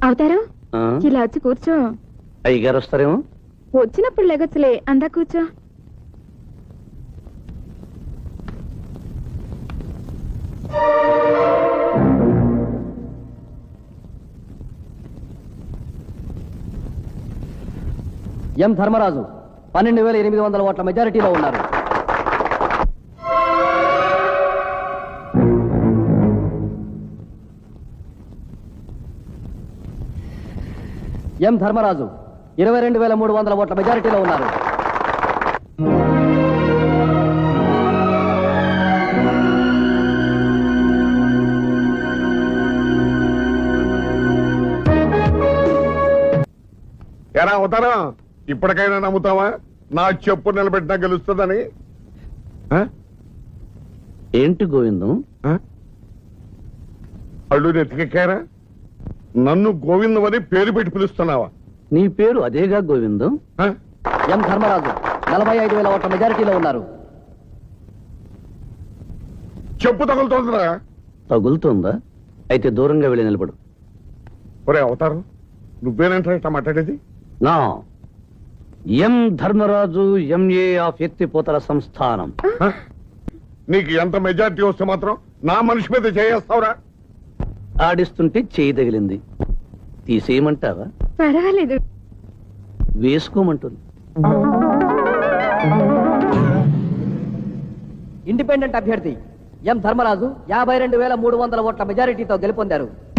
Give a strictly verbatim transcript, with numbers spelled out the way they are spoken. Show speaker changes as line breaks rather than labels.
అవుతారు ఇలా వచ్చి కూర్చో.
అయ్యగారు వస్తారేమో.
వచ్చినప్పుడు లెగొచ్చులే, అందా కూర్చో.
ఎం ధర్మరాజు పన్నెండు వేల ఎనిమిది వందల ఓట్ల మెజారిటీలో ఉన్నారు. ఎం ధర్మరాజు ఇరవై రెండు వేల మూడు వందల ఓట్ల మెజారిటీలో ఉన్నారు.
ఎలా అవుతారా? ఇప్పటికైనా నమ్ముతావా నా చెప్పు నిలబెట్టినా గెలుస్తుందని?
ఏంటి గోవిందం,
అల్లు నెత్తికెక్కారా? నన్ను గోవిందం అని పేరు పెట్టి పిలుస్తున్నావా?
నీ పేరు అదేగా గోవిందం.
ఎం ధర్మరాజు నలభై ఐదు వేల ఓట్ల మెజారిటీలో ఉన్నారు.
చెప్పు తగులుతోందిరా?
తగులుతోందా? అయితే దూరంగా వెళ్ళి నిలబడు.
ఒరే అవతారం, నువ్వేనంటే ఇట్లా మాట్లాడేది?
నా ఎం ధర్మరాజు ఎంఏ ఆఫ్ ఎత్తిపోతల సంస్థానం.
నీకు ఎంత మెజారిటీ వస్తే మాత్రం నా మనిషి మీద చేయేస్తావురా?
ఆడిస్తుంటే చేయి తగిలింది, తీసేయమంటావా?
పర్వాలేదు,
వేసుకోమంటుంది.
ఇండిపెండెంట్ అభ్యర్థి ఎం ధర్మరాజు యాభై రెండు వేల మూడు వందల ఓట్ల మెజారిటీతో గెలుపొందారు.